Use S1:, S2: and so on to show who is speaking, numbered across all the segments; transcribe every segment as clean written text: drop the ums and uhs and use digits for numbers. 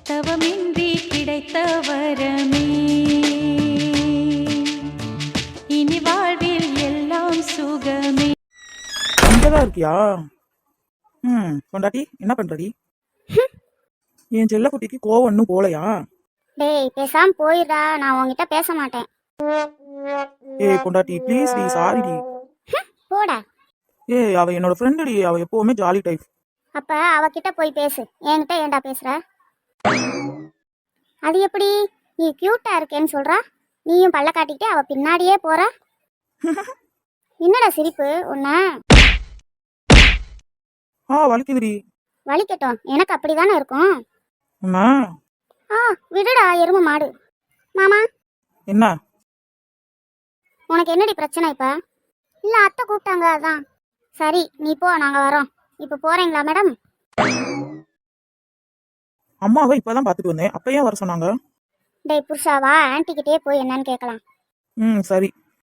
S1: தவமின்றி கிடைத்த வரமே இனி வாழ்வில் எல்லாம் சுகமே.
S2: இங்கதான் இருக்கியா? பொண்டாட்டி என்ன பண்றடி? என் செல்ல குட்டிக்கு கோவம் இன்னும் போலையா?
S3: டேய் பேசாம போயிடா, நான் உன்கிட்ட பேச மாட்டேன்.
S2: ஏய் பொண்டாட்டி ப்ளீஸ் டி, சாரி டி.
S3: போடா.
S2: ஏய் அவ என்னோட ஃப்ரெண்டு டி, அவ எப்பவுமே ஜாலி டைப்.
S3: அப்ப அவகிட்ட போய் பேசு, என்கிட்ட ஏன்டா பேசுற? அது எப்படி? நீ கியூட்டா இருக்கேன்னு சொல்றா, நீயும் பல்ல காட்டிக்கிட்டே அவ பின்னாடியே போற. என்னடா சிரிப்பு உன்ன?
S2: வலிக்குதுடி.
S3: வலிக்கட்டும், எனக்கு அப்படிதானே இருக்கும்.
S2: என்ன?
S3: விடுடா எரும மாடு. மாமா
S2: என்ன
S3: உனக்கு என்னடி பிரச்சனை இப்ப? இல்ல அத்தை கூப்பிட்டாங்க அதான். சரி நீ போ, நாங்க வரோம். இப்ப போறீங்களா மேடம்?
S2: அம்மாவை இப்பதான் பாத்துட்டு வந்தேன், அப்ப ஏன் வர சொன்னாங்க?
S3: டேய் புருஷாவா, ஆன்டிக்கிட்டே போய் என்னன்னு கேட்கலாம்.
S2: சரி.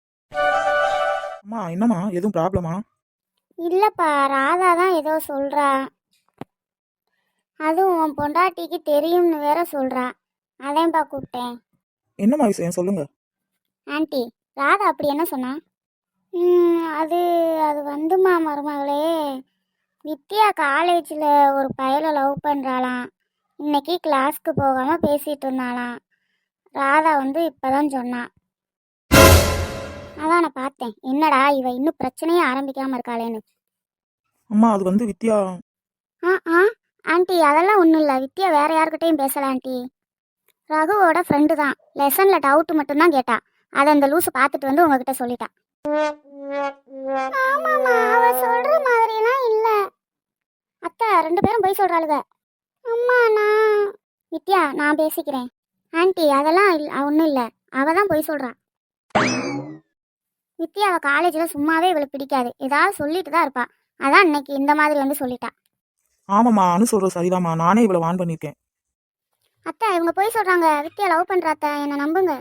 S2: அம்மா என்னம்மா, எதுவும் ப்ராப்ளமா?
S3: இல்லப்பா, ராதா தான் ஏதோ சொல்றா. அதுவும் உன் பொண்டாட்டிக்கு தெரியும்னு வேற சொல்றா. அதான்ப்பா கூப்பிட்டேன்.
S2: என்னம்மா விஷயம் சொல்லுங்க.
S3: ஆன்ட்டி, ராதா அப்படி என்ன சொன்னா? அது அது வந்துமா மருமகளே, வித்யா காலேஜில் ஒரு பையலை லவ் பண்ணுறாளாம். இன்னைக்கு கிளாஸ்க்கு போகாமல் பேசிகிட்டு இருந்தாளாம். ராதா வந்து இப்போதான் சொன்னான். அதான் நான் பார்த்தேன், என்னடா இவ இன்னும் பிரச்சனையே ஆரம்பிக்காமல் இருக்காளேன்னு.
S2: அம்மா அது வந்து வித்யா.
S3: ஆன்ட்டி அதெல்லாம் ஒன்றும் இல்லை, வித்யா வேற யாருக்கிட்டையும் பேசல ஆன்ட்டி. ரகுவோட ஃப்ரெண்டு தான். லெசனில் டவுட்டு மட்டும்தான் கேட்டா. அதை அந்த லூஸு பார்த்துட்டு வந்து உங்ககிட்ட சொல்லிட்டா. ஆமாம்மா, அவ சொல்ற மாதிரிலாம் இல்ல. அத்தை ரெண்டு பேரும் போய் சொல்றாளுங்க. அம்மா வித்யா நான் பேசிக்கிறேன். ஆன்ட்டி அதெல்லாம் ஒன்றும் இல்லை, அவ தான் போய் சொல்றா. வித்யா அவ காலேஜில் சும்மாவே இவளுக்கு பிடிக்காது, ஏதாவது சொல்லிட்டு தான் இருப்பா. அதான் இன்னைக்கு இந்த மாதிரி வந்து சொல்லிட்டா.
S2: ஆமாம்மா அனு சொல்றது சரிதாம்மா, நானே இவ்வளவு வான் பண்ணியிருக்கேன்.
S3: அத்தை இவங்க போய் சொல்றாங்க, வித்யா லவ் பண்ற அத்தை, என்ன நம்புங்க.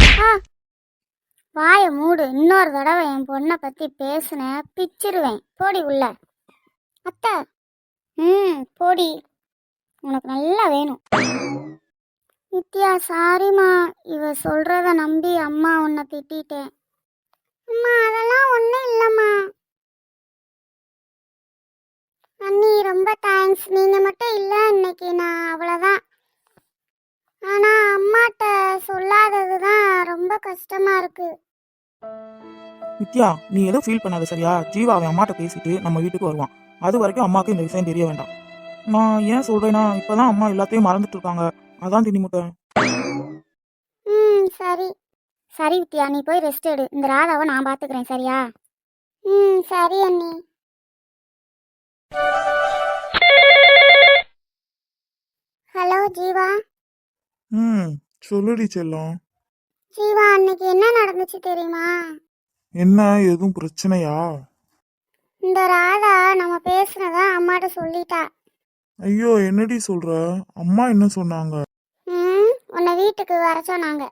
S3: வாய மூடு, இன்னொரு தடவை என் பொண்ணை பத்தி பேசுன பிச்சிருவேன். போடி உள்ள. அத்தை போடி, உனக்கு நல்லா வேணும். வித்யா சாரிம்மா, இவ சொல்றத நம்பி அம்மா உன்னை திட்டேன். அம்மா அதெல்லாம் ஒன்றும் இல்லைம்மா. அண்ணி ரொம்ப தேங்க்ஸ், நீங்க மட்டும் இல்லை இன்னைக்கு நான் அவ்வளோதான். ஆனா அம்மாட்ட சொல்லாதது தான் ரொம்ப கஷ்டமா இருக்கு.
S2: வித்யா நீ எதுவும் ஃபீல் பண்ணாத சரியா? ஜீவா அவன் அம்மாட்ட பேசிட்டு நம்ம வீட்டுக்கு வருவான். அது வரைக்கும் அம்மாவுக்கு இந்த விஷயம் தெரிய வேண்டாம். நான் ஏன் சொல்றேன்னா, இப்பதான் அம்மா எல்லாத்தையும் மறந்துட்டு இருக்காங்க, அதான் திணிமுட்டேன்.
S3: சரி சரி வித்யா, நீ போய் ரெஸ்ட் எடு. இந்த ராதாவை நான் பாத்துக்கிறேன் சரியா? சரி அண்ணி. ஹலோ ஜீவா.
S2: சொல்லுடி செல்லம்.
S3: ஜீவா அன்னைக்கு என்ன நடந்துச்சு தெரியுமா?
S2: என்ன, எதுவும் பிரச்சனையா?
S3: இந்த ராதா நம்ம பேசுனத அம்மாட்ட சொல்லிட்டா.
S2: ஐயோ என்னடி சொல்ற? அம்மா என்ன சொன்னாங்க?
S3: உன்னை வீட்டுக்கு வர சொன்னாங்க.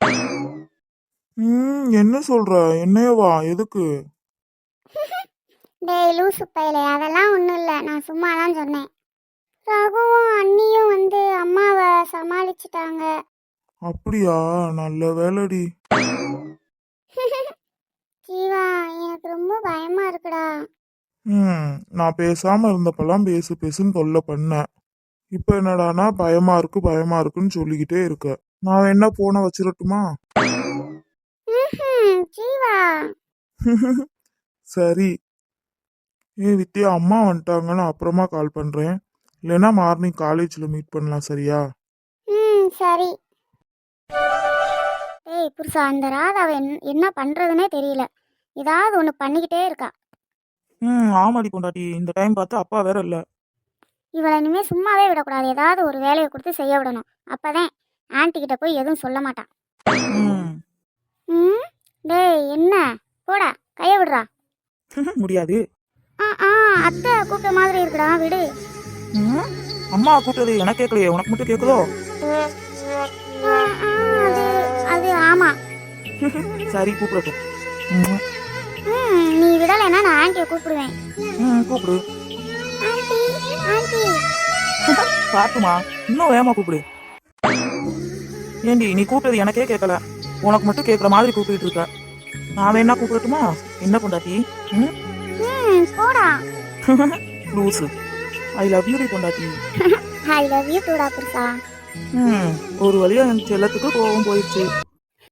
S2: என்ன சொல்ற? என்னையவா? எதுக்கு?
S3: டேய் லூசு பையலே, அதெல்லாம் ஒன்றும் இல்லை, நான் சும்மா தான் சொன்னேன். ரகுவும் அண்ணியும் வந்து அம்மாவை சமாளிச்சிட்டாங்க.
S2: அப்படியா? நல்ல வேலைடி.
S3: ஜீவா எனக்கு ரொம்ப பயமா இருக்குடா.
S2: நான் பேசாம இருந்தப்பெல்லாம் பேசு பேசுன்னு தொல்லை பண்ண. இப்ப என்னடானா பயமா இருக்குன்னு சொல்லிக்கிட்டே இருக்க. நான் என்ன போன வச்சிரட்டுமா?
S3: ஜீவா
S2: சரி. வித்யா அம்மா வந்துட்டாங்கன்னு அப்புறமா கால் பண்றேன். இல்லைன்னா மார்னிங் காலேஜ்ல மீட் பண்ணலாம் சரியா?
S3: சரி. ஏய் புருஷா, அந்த ராதாவை என்ன பண்றதுன்னே தெரியல, ஏதாவது ஒன்று பண்ணிக்கிட்டே இருக்கா.
S2: ஆமாடி பொண்டாட்டி, இந்த டைம் பார்த்து அப்பா வேற இல்ல.
S3: இவளை இனிமே சும்மாவே விடக்கூடாது, ஏதாவது ஒரு வேலையை கொடுத்து செய்ய விடணும். அப்பதான் ஆன்டி கிட்ட போய் எதுவும் சொல்ல மாட்டான். டேய் என்ன, போடா கைய விடுறா.
S2: முடியாது.
S3: அத்தை கூப்பிட்ட மாதிரி இருக்குடா, விடு.
S2: அம்மா கூப்பிட்டது எனக்கு கேட்கலையே, உனக்கு மட்டும் கேட்குதோ?
S3: அது ஆமா.
S2: சரி கூப்பிடட்டும்.
S3: நீ விடலைன்னா நான் ஆன்ட்டியை கூப்பிடுவேன்.
S2: கூப்பிடு.
S3: ஆன்ட்டி ஆன்ட்டி
S2: பார்த்துமா, இன்னும் வேகமா கூப்பிடு. ஏண்டி நீ கூப்பிட்டது எனக்கே கேட்கல, உனக்கு மட்டும் கேட்குற மாதிரி கூப்பிட்டு இருக்க. நான் வேணா கூப்பிடட்டுமா? என்ன பொண்டாட்டி? ம்
S3: போடா.
S2: லூசு. ஐ லவ் யூ பொண்டாட்டி.
S3: ஐ லவ் யூ டூடா புருஷா.
S2: ஒரு வழியா என் செல்லத்துக்கு கோவம் போயிடுச்சு.